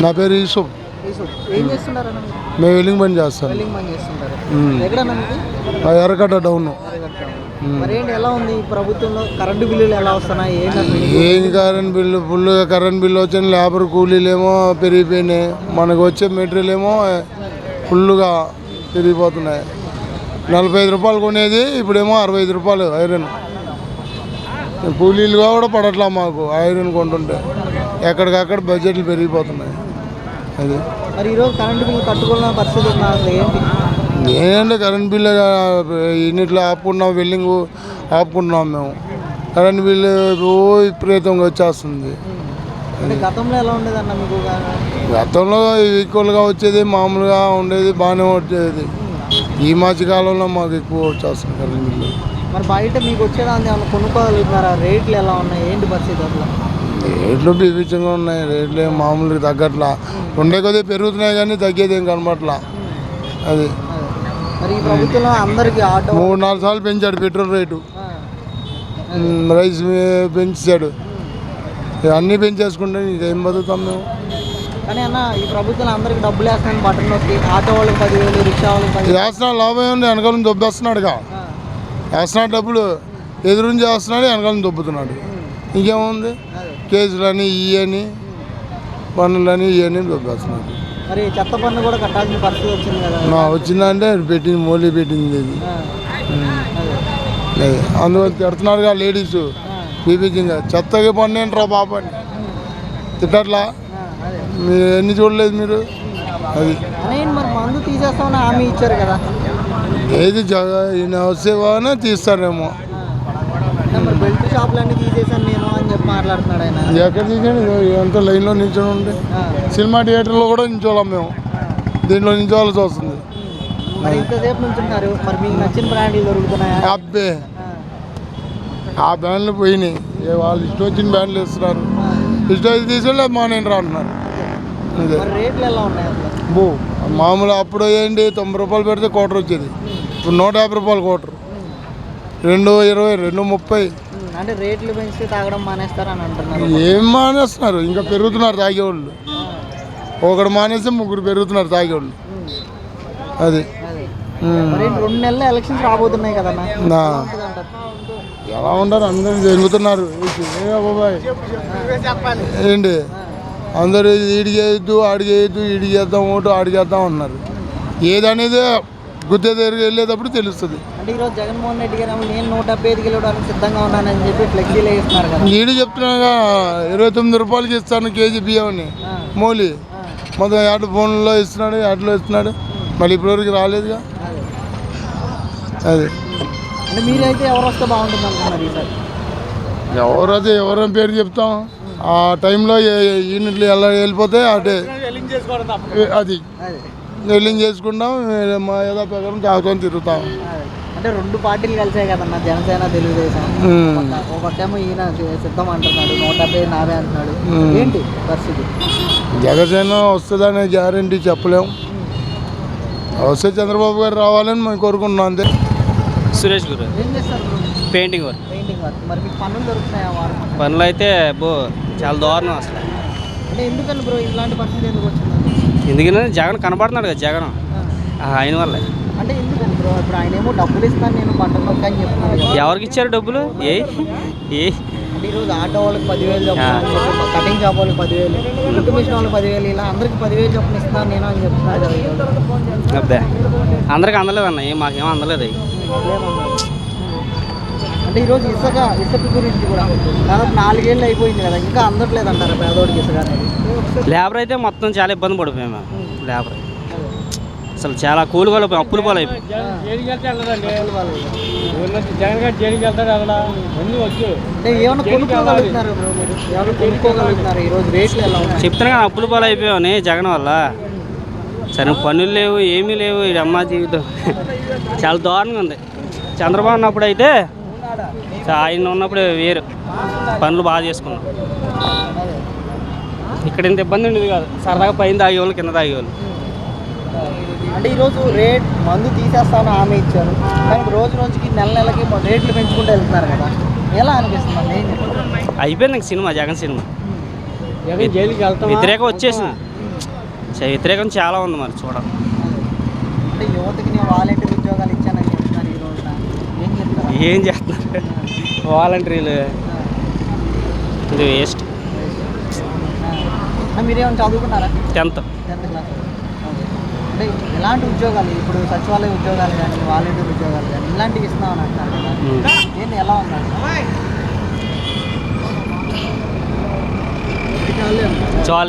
నా పేరు యూసుఫ్. ఏం చేస్తుంటారన్న మీరు? మేము వెల్లింగ్ పని చేస్తాం. వెల్డింగ్ పని చేస్తుంటారు. ఎక్కడన్నా మీది? ఎర్రగడ్డ డౌన్. మరి ఏంటి, ఎలా ఉంది ఈ ప్రభుత్వంలో కరెంటు బిల్లులు ఎలా వస్తున్నాయి? ఏం కరెంట్ బిల్లు ఫుల్గా కరెంట్ బిల్లు వచ్చిన లేబర్ కూలీలేమో పెరిగిపోయినాయి, మనకు వచ్చే మెటీరియల్ ఏమో ఫుల్గా పెరిగిపోతున్నాయి. 45 రూపాయలు కొనేది ఇప్పుడేమో 65 రూపాయలు ఐరన్. కూలీలుగా కూడా పడట్లా మాకు ఐరన్ కొంటుంటే. ఎక్కడికక్కడ బడ్జెట్లు పెరిగిపోతున్నాయి. అది మరి ఈరోజు కరెంటు బిల్లు కట్టుకున్న పరిస్థితి ఉందా? ఏంటి ఏంటంటే కరెంట్ బిల్లు ఇన్నిట్లో ఆపుకున్నాం, వెల్లింగ్ ఆపుకుంటున్నాం మేము. కరెంట్ బిల్లు విపరీతంగా వచ్చేస్తుంది. అంటే గతంలో ఎలా ఉండేదన్న మీకు? గతంలో ఈక్వల్గా వచ్చేది, మామూలుగా ఉండేది, బాగానే వచ్చేది. ఈ మధ్యకాలంలో మాకు ఎక్కువ వచ్చేస్తుంది కరెంట్ బిల్లు. మరి బయట మీకు వచ్చేదాన్ని ఏమన్నా కొనుక్కోగలుగుతున్నారా? రేట్లు ఎలా ఉన్నాయి, ఏంటి పరిస్థితి అసలు? రేట్లు బీభత్సంగా ఉన్నాయి. రేట్లు ఏం మామూలుగా తగ్గట్లా, ఉండే కొద్దిగా పెరుగుతున్నాయి కానీ తగ్గేది ఏం కనపట్లా. అది మరి ఈ ప్రభుత్వంలో అందరికి ఆటో 3-4 సార్లు పెంచాడు పెట్రోల్ రేటు, రైస్ పెంచాడు, అన్నీ పెంచేసుకుంటే ఇంకేం బతుకుతాం మేము. కానీ అన్న ఈ ప్రభుత్వంలో అందరికి డబ్బులు వేస్తాను బటన్ నొక్కి, ఆటో వాళ్ళకి 10,000, రిక్షా వాళ్ళకి 10,000 వేస్తున్నాడు. లాభం ఏముంది? వెనకాలను దొబ్బేస్తున్నాడుగా. వేస్తున్నాడు, డబ్బులు ఎదురుంచి వేస్తున్నాడు, వెనకాలను దొబ్బుతున్నాడు. ఇంకేముంది? కేసులని ఇవని పన్నులని ఇవన్నీ దొబ్బేస్తున్నాడు. మరి చెత్త పన్ను కూడా కట్టాల్సిన పరిస్థితి వచ్చింది కదా? వచ్చిందంటే పెట్టింది, మోలీ పెట్టింది ఇది. అందువల్ల తిడుతున్నాడుగా లేడీస్ బీబీజీగా. చెత్తగా పన్ను ఏంట్రా బాబు అని తిట్టట్లా. మీరు ఎన్ని చూడలేదు మీరు? అది మరి మందు తీసేస్తామని హామీ ఇచ్చారు కదా? ఏది ఈయన వస్తేనే తీస్తారేమో. మరి బెల్ట్ షాపులన్నీ తీసేసాను నేను అని చెప్పి మాట్లాడుతున్నాడు ఆయన. ఎక్కడ తీసాడు? ఎంత లైన్లో నిల్చొని ఉండే. సినిమా థియేటర్లో కూడా నిల్చోలేం మేము, దీంట్లో నిల్చోవాల్సి వస్తుంది. మరి ఇంతసేపు నుంచుంటారు, మరి మీకు నచ్చిన బ్రాండ్లు దొరుకుతున్నాయా? అబ్బే ఆ బ్యాండ్లు పోయినాయి. వాళ్ళు ఇష్టం వచ్చిన బ్యాండ్లు ఇస్తున్నారు. ఇష్టం వచ్చి తీసుకెళ్ళి మానేంటి రా అంటున్నారు. అదే రేట్లు ఎలా ఉన్నాయి బో మామూలు. అప్పుడు ఏంటి 90 రూపాయలు పెడితే క్వార్టర్ వచ్చేది, ఇప్పుడు 150 రూపాయలు క్వార్టర్. 2.20, 2.30. అంటే రేట్లు పెంచితే తాగడం మానేస్తారని అంటున్నారు. ఏం మానేస్తున్నారు? ఇంకా పెరుగుతున్నారు తాగేవాళ్ళు. ఒకడు మానేస్తే 3 పెరుగుతున్నారు తాగేవాళ్ళు. అది 2 నెలలు ఎలక్షన్స్ రాబోతున్నాయి కదన్నా, ఎలా ఉంటారు? అందరూ జరుగుతున్నారు. బాబాయ్ ఏంటి అందరూ ఈడికి వేయద్దు, ఆడికి వేయద్దు, ఈడికి చేద్దాం ఓటు, ఆడికి చేద్దాం అన్నారు. ఏదనేది గుద్దే దగ్గరికి వెళ్ళేటప్పుడు తెలుస్తుంది. అంటే ఈరోజు జగన్మోహన్ రెడ్డి గారు నేను 175 కిలోడానికి సిద్ధంగా ఉన్నానని చెప్పి ఫ్లెక్సీలు వేస్తున్నారు కదా. ఈడు చెప్తున్నాగా 29 రూపాయలకి ఇస్తాను కేజీ బియ్యంని మోలీ. మొత్తం యాడ్ ఫోన్లో ఇస్తున్నాడు, యాడ్లో ఇస్తున్నాడు. మళ్ళీ ఇప్పటివరకు రాలేదుగా. అది అంటే మీరైతే ఎవరు వస్తే బాగుంటుంది అనుకున్నారు ఈసారి? ఎవరైతే ఎవరైనా పేరు చెప్తాం. ఆ టైంలో యూనిట్లు ఎలా వెళ్ళిపోతే అటే అది వెల్లింగ్ చేసుకుంటాం. మా ఏదో ప్రకారం తాగుతాం, తిరుగుతాం. అంటే 2 పార్టీలు కలిసాయి కదన్నా, జనసేన, తెలుగుదేశం. ఒకటేమో ఈయన సిద్ధం అంటున్నాడు, 170 నావే అంటున్నాడు. ఏంటి పరిస్థితి? జనసేన వస్తుందనే గ్యారంటీ చెప్పలేము. వస్తే చంద్రబాబు గారు రావాలని మేము కోరుకుంటున్నాం అంతే. సురేష్ గురు ఏం చేస్తారు? Painting work. Painting work. మరి మీకు పనులు దొరుకుతున్నాయా? పనులు అయితే చాలా దారుణం అసలు. అంటే ఎందుకని బ్రో ఇలాంటి పరిస్థితి ఎందుకు వచ్చింది? ఎందుకంటే జగన్ కనపడుతున్నాడు కదా, జగన్ ఆయన వల్లే. అంటే ఎందుకని బ్రో? ఇప్పుడు ఆయన ఏమో డబ్బులు ఇస్తాను నేను బట్టలు నొక్క అని చెప్తున్నాడు. ఎవరికి ఇచ్చారు డబ్బులు? ఏ అంటే ఈరోజు ఆటో వాళ్ళకి 10,000 చొప్పున, కటింగ్ షాప్ వాళ్ళకి 10,000, కుట్టు మిషన్ వాళ్ళకి 10,000, ఇలా అందరికి 10,000 చొప్పున ఇస్తాను నేను అని చెప్తున్నాడు. అబ్బే అందరికి అందలేదు అన్న, మాకేమో అందలేదు అవి. అంటే ఈరోజు ఇసుక గురించి కూడా దాదాపు 4 ఏళ్ళు అయిపోయింది కదా, ఇంకా అందట్లేదు అంటారు పేదోడికి ఇసుక అనేది. లేబర్ అయితే మొత్తం చాలా ఇబ్బంది పడిపోయాము మేము. లేబర్ అసలు చాలా కూలి వాళ్ళు అప్పులు పాలు అయిపోయి. చెప్తున్నా కానీ అప్పులు పాలు అయిపోయామని జగన్ వల్ల. సరే పనులు లేవు, ఏమీ లేవు. ఇది అమ్మ జీవితం చాలా దారుణంగా ఉంది. చంద్రబాబు ఉన్నప్పుడు అయితే, ఆయన ఉన్నప్పుడు వేరు, పనులు బాగా చేసుకున్నాం. ఇక్కడ ఇంత ఇబ్బంది ఉండేది కాదు. సరదాగా పైన తాగేవాళ్ళు, కింద తాగేవాళ్ళు. అంటే ఈరోజు మందు తీసేస్తామని హామీ ఇచ్చారు, కానీ రోజుకి నెలకి రేట్లు పెంచుకుంటూ వెళ్తున్నారు కదా, ఎలా అనిపిస్తుంది? అయిపోయింది ఇంక సినిమా, జగన్ సినిమా వ్యతిరేకం వచ్చేసింది. వ్యతిరేకం చాలా ఉంది మరి చూడాలి. అంటే యువతకి నేను వాలంటీర్ ఉద్యోగాలు ఇచ్చానని చెప్తున్నారు ఈ రోజున. ఏం చెప్తారు? ఏం చేస్తున్నారు వాలంటీర్లు, ఇది వేస్ట్. మీరేమైనా చదువుకున్నారా? 10th. 10th class. అంటే ఎలాంటి ఉద్యోగాలు ఇప్పుడు సచివాలయ ఉద్యోగాలు కానీ వాలంటీర్ ఉద్యోగాలు కానీ ఇలాంటివి ఇస్తున్నామని అంటున్నారు కదా, ఏంటి ఎలా ఉన్నారు? చాలు